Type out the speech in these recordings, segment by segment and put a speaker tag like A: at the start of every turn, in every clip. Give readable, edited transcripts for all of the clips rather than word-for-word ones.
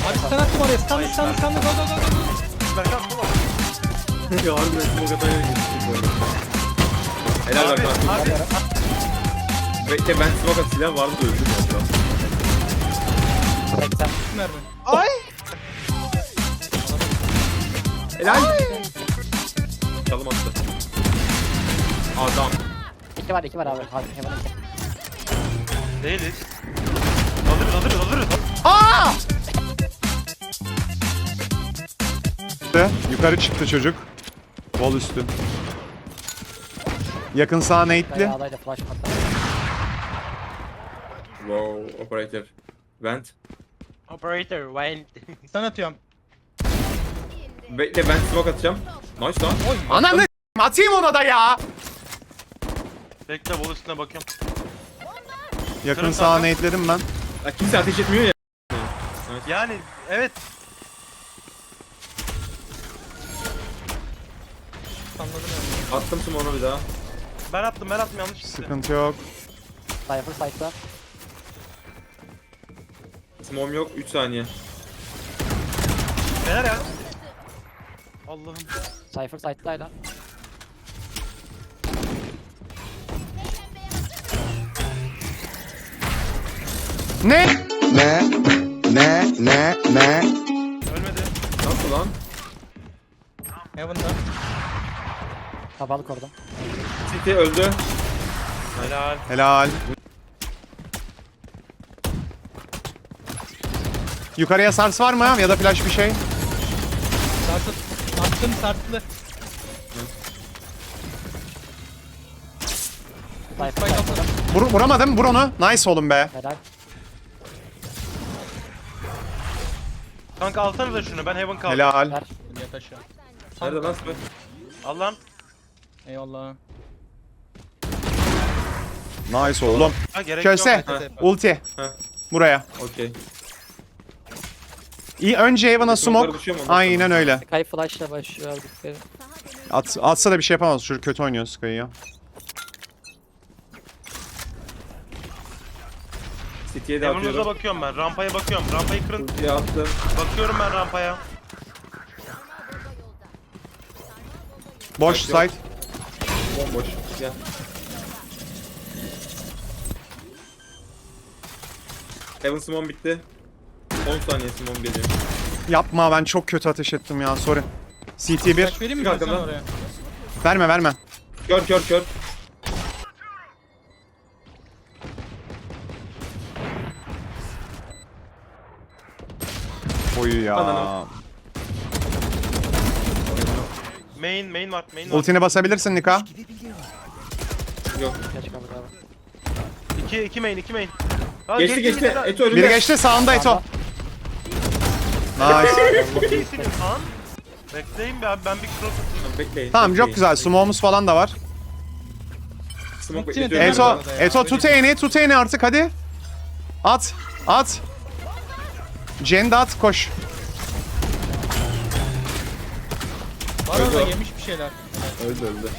A: Abi stun attım oraya. Stun. Go.
B: Berkan bu var.
C: Ya harbiden smoke ataya geçtik bu arada. Helal
B: Abi,
C: Berkan.
B: abi.
C: Bekle ben smoke at silah vardı da öldüm ya biraz.
D: 80.
A: Mermi.
B: Ay.
C: Helal. Çalım attı. Adam.
D: 2 var 2 var abi. Abi hemen 2.
B: Değiliz. Alırız.
E: Yukarı çıktı çocuk. Bol üstü. Yakın sağ nate'li.
D: Dayağdaydı flash patladı.
C: Wow, operator. Vent.
B: Operator went.
A: Stun atıyorum.
C: Bekle ben smoke atacağım. Nice lan.
E: Ananı atayım ona da ya.
B: Bekle bol üstüne bakıyorum.
E: Yakın
B: Kırın
E: sağ
B: kanka.
E: nate'ledim ben.
C: Ya kimse ateş etmiyor ya.
B: Yani evet.
A: Anladım yani.
C: Attım smoke'unu bir daha.
B: Ben attım yanlış gitti.
E: Sıkıntı yok.
D: Cypher site'da.
C: Smoke'um yok 3 saniye.
B: Neler ya? Allah'ım.
D: Cypher site'daydı.
E: Ne?
B: Ölmedi.
C: Nasıl lan?
A: Heaven'da.
D: Kapalı korudum.
C: City öldü.
B: Helal.
E: Helal. Yukarıya sars var mı ya da flash bir şey?
A: Sartı. Attım sartlı.
D: Cypher
A: Spike
D: site'da.
A: atladım.
E: Vuramadım. Vur onu. Nice oğlum be.
D: Helal.
B: Kanka alsanıza şunu ben heaven kaldım.
E: Helal.
D: Ver.
A: Yat aşağı.
C: Nerede lan Spike?
B: Al lan.
A: Eyvallah.
E: Nice oğlum.
B: Ha gerek
E: Köse.
B: yok.
C: Ha.
E: Ulti.
C: Ha.
E: Buraya.
C: Okey.
E: İyi önce Evan'a
C: Smoke'lar
E: smoke.
C: düşüyor mu ondan
E: Aynen öyle.
D: Sky flash'la başlıyor dikkat.
E: Atsa da bir şey yapamaz. Çocuk kötü oynuyor Sky'ı ya.
C: City'ye de
B: Heaven'uza
C: atıyorum.
B: bakıyorum ben. Rampaya bakıyorum. Rampayı kırın.
C: Ultiye attım.
B: Bakıyorum ben rampaya.
E: Boş site.
C: Bomboş. Gel. Heaven smoke bitti. 10 saniye smoke geliyor.
E: Yapma ben çok kötü ateş ettim ya. Sorry. CT1.
A: Flash vereyim mi ben sana
C: Arkadan.
A: oraya?
E: Verme.
C: Kör.
E: Oyu ya.
C: Ananı.
B: Main var.
E: Ultini basabilirsin Nika.
C: Yok.
D: Geç kaldık abi.
B: 2 main. Ha,
C: Geçti. Eto önünde.
E: Biri geçti sağında Eto. Nice.
B: Çok iyisiniz lan. Bekleyin be abi ben bir cross atayım.
C: Bekleyin.
E: Tamam çok
C: bekleyin.
E: güzel. Smoke'umuz falan da var.
C: Smoke
A: Ultiye
C: bekletiyorum.
A: döner
E: Eto,
A: bu arada ya.
E: Eto tut eni artık hadi. At. Jen de at koş.
A: Var orada
C: Öldü.
A: yemiş bir şeyler.
C: Öldü.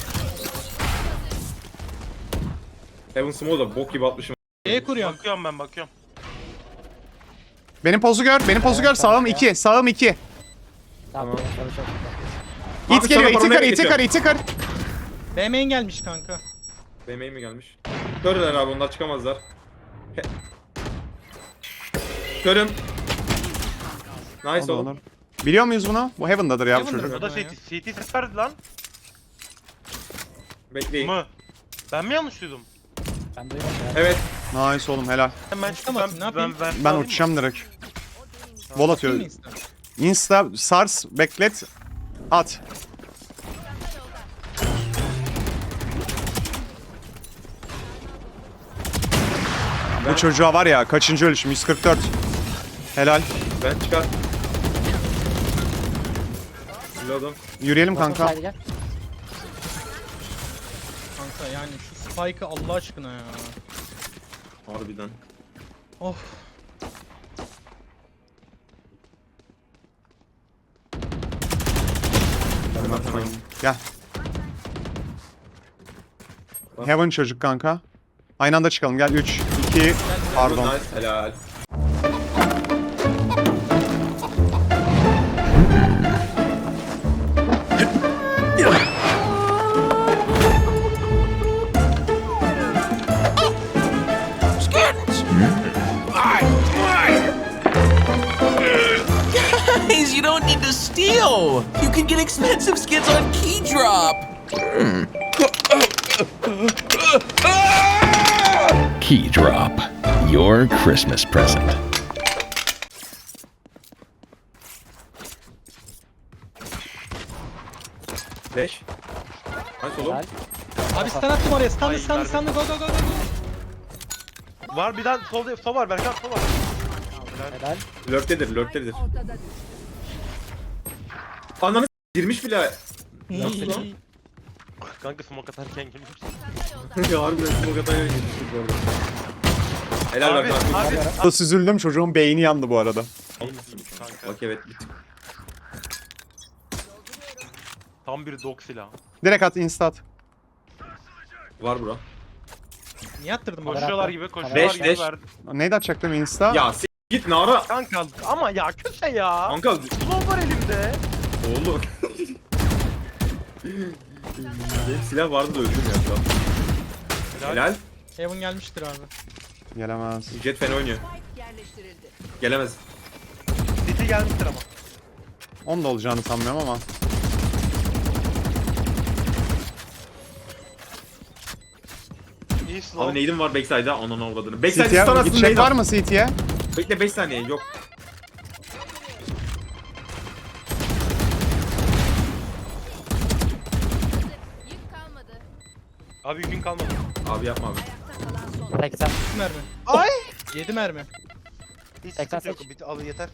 C: Heaven smoke da bok gibi atmışım.
A: Şeye kuruyorum.
B: Bakıyorum.
E: Benim pozu gör. Sağım 2. Sağım 2.
D: Tamam. Çalışıyor.
E: İt
C: Abi
E: geliyor.
C: sana paranoya
E: İti kır.
A: B main gelmiş kanka.
C: BM'ye mi gelmiş? Körler abi onlar çıkamazlar. Körüm. Nice oğlum.
E: Biliyor muyuz bunu? Bu Heaven'dadır ya bu
A: Heaven'dır.
E: çocuk.
B: O da CT ses verdi lan.
C: Bekleyin.
B: Mı? Ben mi yanlış duydum?
D: Ben duymadım ya.
C: Evet.
E: Nice oğlum helal.
B: Hemen
A: Uçamadın, ne yapayım?
E: Ben uçacağım direkt. Vol atıyor.
A: Değil mi insta?
E: Insta sars beklet. At. Bu çocuğa var ya kaçıncı ölüşüm 144. Helal.
C: Ben çıkar. Reload'um.
E: Yürüyelim
D: Kanka.
E: kanka.
D: Gel.
A: Kanka yani şu spike'ı Allah aşkına ya.
C: Harbiden.
A: Of.
E: Gel. Heaven çocuk kanka. Aynı anda çıkalım gel 3, 2, pardon.
C: Nice. Helal.
F: you don't need to steal. You can get expensive skins on Keydrop.
G: Keydrop, your Christmas present.
C: Flash. Nice oğlum.
D: Helal.
A: Abi stun attım oraya. Stun
B: Ay,
A: stun
B: verdim.
A: stun go go go go.
B: Var bir tane sol var Berkan sol var.
D: Helal.
C: Lurk'tedir, lurk'tedir. Ananı girmiş bile.
B: Kanka smoke atarken girmiş.
C: Ya harbiden smoke ataya girmiştik bu arada. Helal
B: Abi,
C: bak.
B: abi.
E: Süzüldüm, çocuğun beyni yandı bu arada.
B: Kanka.
C: Bak evet bir tık.
B: Tam bir dog silahı.
E: Direkt at, insta at.
C: Var bura.
A: Niye attırdın bana?
B: Koşuyorlar gibi koşuyorlar
C: Beş,
B: gibi
C: beş.
B: verdi.
E: Neydi atacaktım, insta?
C: Ya git Nara.
B: Kanka ama ya köse ya.
C: Kanka
B: Slow var elimde.
C: oğlum. Benim silah vardı da öldüm ya şu an. Helal.
A: Heaven gelmiştir abi.
E: Gelemez.
C: Jet fena oynuyor. Gelemez.
B: City gelmiştir ama.
E: Onun da olacağını sanmıyorum ama.
B: İyi slow.
C: Abi neydim var backside'a ananı avladığını. Backside
E: CT'ye
C: stun atsın
E: gidecek
C: neydi?
E: var mı CT'ye?
C: Bekle 5 saniye yok.
H: Yük kalmadı.
B: Abi gün kalmadı.
C: Abi yapma abi.
D: 80.
A: 7 mermi.
B: Ay.
A: 7 mermi.
B: Hiç
D: Tekrar
B: sıkıntı yok.
D: seç.
B: Al yeter.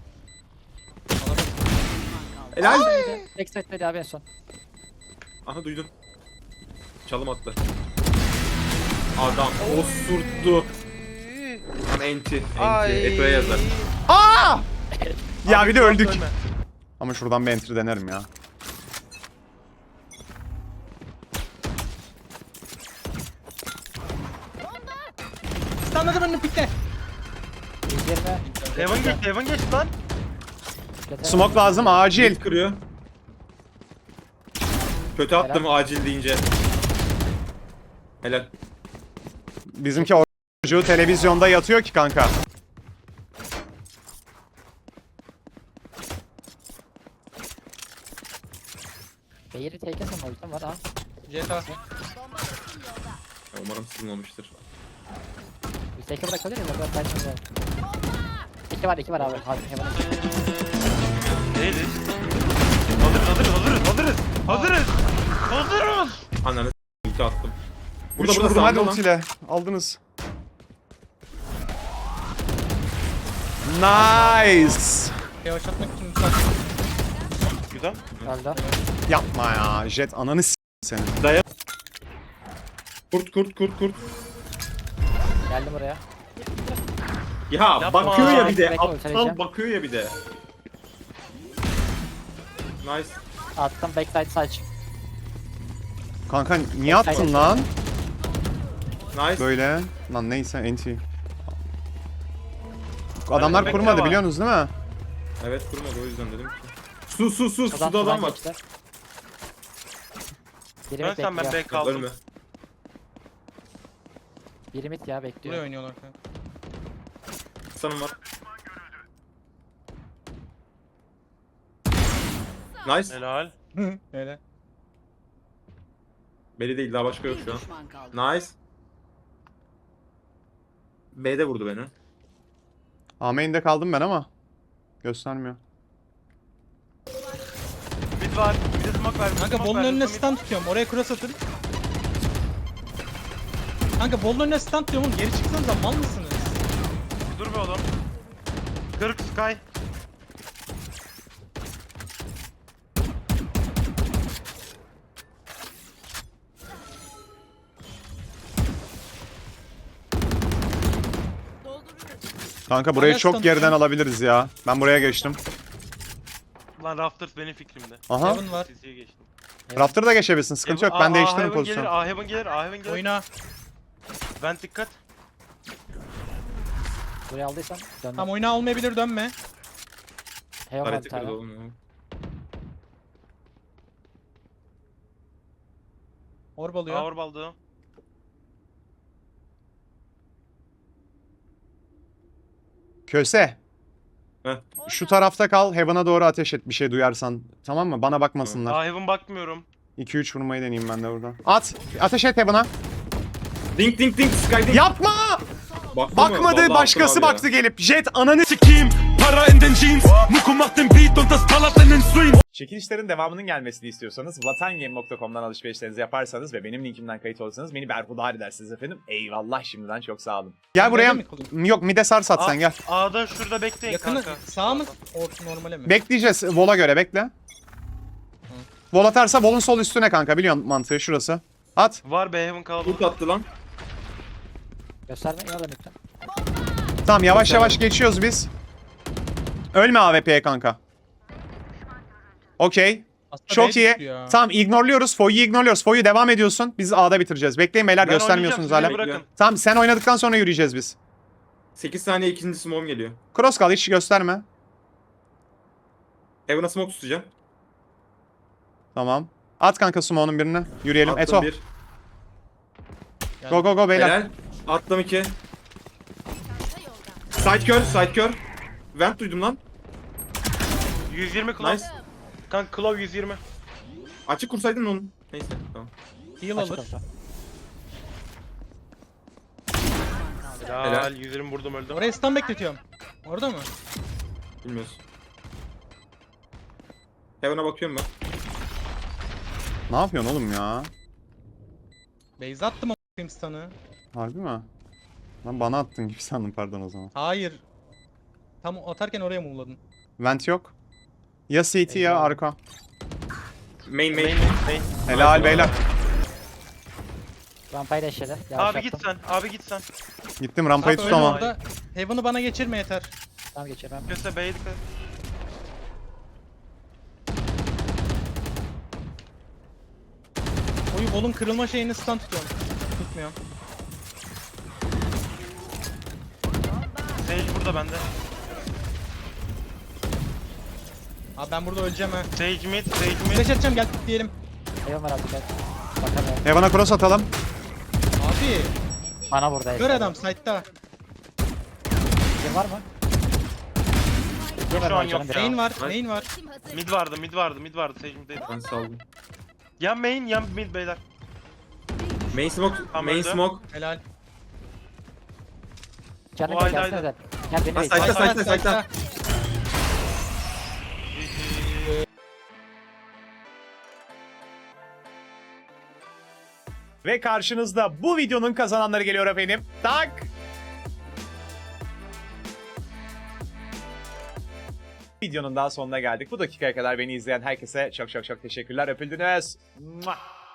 C: Helal.
D: Backside dedi abi en son.
C: Aha duydun. Çalım attı. Adam osurttu. Tam enti. Eto'ya yazar.
E: Aa! Ya bir de öldük.
B: Ölme.
E: Ama şuradan bir entry denerim ya.
A: Stunladım önünü pikle.
D: 120.
B: Heaven geçti lan.
E: Smoke lazım acil.
C: Cilt kırıyor. Kötü attım acil deyince. Helal.
E: Bizimki çocuğu televizyonda yatıyor ki kanka.
D: Beyri take sen o yüzden var ha.
A: GTA.
C: Ya umarım sızılmamıştır.
D: Biz take'e bırakabilir miyiz? Burada kaçmıyor. 2 var abi. Hadi hemen.
B: Değiliz. Hazırız.
C: Ananı ulti attım.
E: Burada
C: Burada
E: vurdum hadi
C: sağında lan.
E: ultiyle. Aldınız. Nice.
A: Yavaş atmak için lütfen.
B: Güzel.
D: Öldü.
E: Yapma ya. Jet ananı senin.
C: Kurt.
D: Geldim buraya.
C: Ya
B: Yapma.
C: bakıyor ya bir de.
D: Bekle,
C: Aptal
D: söyleyeceğim.
C: bakıyor ya bir de. Nice.
D: Attım backside saç.
E: Kanka niye attın lan?
C: Nice.
E: Böyle. Lan neyse enti. Adamlar
B: bekle
E: kurmadı
B: var.
E: biliyorsunuz değil mi?
C: Evet kurmadı o yüzden dedim ki. Su. Suda
D: Sudan
C: adam var.
D: geçti. Biri
B: Ben
D: mid
B: sen ben
D: bekliyor.
B: back kaldım.
C: Ölme.
D: Biri mid ya
A: Buraya
D: bekliyor.
A: oynuyorlar kanka.
C: Sanım var. Nice.
B: Helal.
A: Öyle.
C: Beli değil daha başka yok şu an. Nice. B'de vurdu beni.
E: Main'de kaldım ben ama. Göstermiyor.
B: Mid var. Bir de smoke ver.
A: Kanka bolun önüne stun tutuyorum. Oraya cross atın. Kanka bolun önüne stun tutuyorum oğlum. Geri çıksanıza mal mısınız?
B: Dur be oğlum. 40 Sky.
E: Kanka burayı
A: Hala
E: çok
A: stun
E: geriden
A: tutuyorum.
E: alabiliriz ya. Ben buraya geçtim.
B: Lan Rafters benim fikrimde.
E: Aha.
A: Heaven var.
B: Siziye geçtim.
E: Rafter'da geçebilirsin. Sıkıntı yok. Ben değiştiririm pozisyonu.
B: A Heaven gelir.
A: Oyna.
B: Ben dikkat.
D: Buraya aldıysan döndüm.
A: Tam oyna olmayabilir dönme.
D: Heaven var bir
C: Harita kırdı
D: tane.
C: oğlum ya.
A: Orb alıyor.
B: Ağır baldı.
E: Köse. Şu tarafta kal. Heaven'a doğru ateş et bir şey duyarsan. Tamam mı? Bana bakmasınlar.
B: Aa Heaven bakmıyorum.
E: 2-3 vurmayı deneyeyim ben de burada. At. Ateş et Heaven'a.
C: Dink dink dink Sky dink.
E: Yapma!
C: Baktı mı?
E: Bakmadı.
C: Vallahi
E: Başkası
C: attım abi
E: baktı gelip. Jet ananı
F: Team, para in den Jeans. Nico macht den Beat und das ballert in den Stream.
I: Çekilişlerin devamının gelmesini istiyorsanız vatangame.com'dan alışverişlerinizi yaparsanız ve benim linkimden kayıt olursanız beni berhudar edersiniz efendim. Eyvallah şimdiden çok sağ olun.
E: Gel buraya.
A: mi kalayım?
E: Yok mide sar sat sen gel.
B: A'da şurada bekleyin
A: Yakını
B: kanka.
A: sağ mı? Normale mi?
E: Bekleyeceğiz. Vol'a göre bekle. Vol atarsa Vol'un sol üstüne kanka. Biliyorsun mantığı şurası. At.
B: Var be Heaven kaldı.
C: Ult attı lan.
D: Gösterme ya da lütfen.
E: Tamam yavaş yavaş geçiyoruz biz. Ölme AWP'ye kanka. Okey.
A: Aslında
E: Çok
A: B
E: iyi.
A: düştü ya.
E: Tamam ignorluyoruz. Foy'u ignorluyoruz. Foy'u devam ediyorsun. Biz A'da bitireceğiz. Bekleyin beyler
B: Ben
E: göstermiyorsunuz
B: oynayacağım,
E: hala.
B: siz bırakın.
E: Tamam sen oynadıktan sonra yürüyeceğiz biz.
C: 8 saniye ikinci smoke'um geliyor.
E: Cross kal hiç gösterme.
C: Heaven'a smoke tutacağım.
E: Tamam. At kanka Sumo'nun birine. Yürüyelim.
C: Attım
E: Eto.
C: 1.
E: Go go go beyler.
C: Helal. Attım 2.
H: Çanta yolda.
C: Side kör, side kör. Vent duydum lan.
B: 120 Claw.
C: Nice.
B: Kanka Claw 120.
C: Açık kursaydın onu. Neyse tamam.
A: Heal
D: Açık
A: alır.
D: olsa.
B: Helal 120 vurdum öldüm.
A: Oraya stun bekletiyorum. Orada mı?
C: Bilmiyoruz. Heaven'a bakıyorum ben.
E: Ne yapıyorsun oğlum ya?
A: Base attım a**ayım stun'ı.
E: Harbi mi? Lan bana attın gibi sandım pardon o zaman.
A: Hayır. Tam atarken oraya mı ulladın?
E: Vent yok. Ya CT ya arka.
C: Main.
E: Helal beyler.
D: Rampayı da eşledi. Yavaş
B: Abi git
D: yaptım.
B: sen. Abi git sen.
E: Gittim rampayı
A: Abi öyle
E: tutamam.
A: orada. Heaven'ı bana geçirme yeter.
D: Tamam geçelim.
B: Köse B'ye dikkat.
A: Oyu bolun kırılma şeyini stun tutuyorum. Tutmuyorum.
B: Sage burada bende.
A: Abi ben burada öleceğim ha.
B: Sage mid, Sage mid.
A: Flash atacağım gel diyelim.
D: Eyvallah var artık. Bakalım.
E: Heaven'a cross atalım.
A: Abi
D: Bana burada.
A: gör adam site'da.
D: Kim var mı?
B: Şu an yok ya.
A: Main var, main var.
H: Tim hazır.
B: Mid vardı. Sage middeydi.
C: Ben saldım.
B: Ya main ya mid beyler.
C: Main smoke,
B: Tamam,
C: main
B: öldü.
C: smoke.
A: Helal.
D: Canım
B: O
D: gel
B: ayda,
D: gelsene
B: ayda.
D: de. Gel beni
C: Ha,
D: bekle.
C: site'da,
A: Site'da,
C: site'da.
I: Ve karşınızda bu videonun kazananları geliyor efendim. Tak! Videonun daha sonuna geldik. Bu dakikaya kadar beni izleyen herkese çok çok çok teşekkürler. Öpüldünüz. Mua!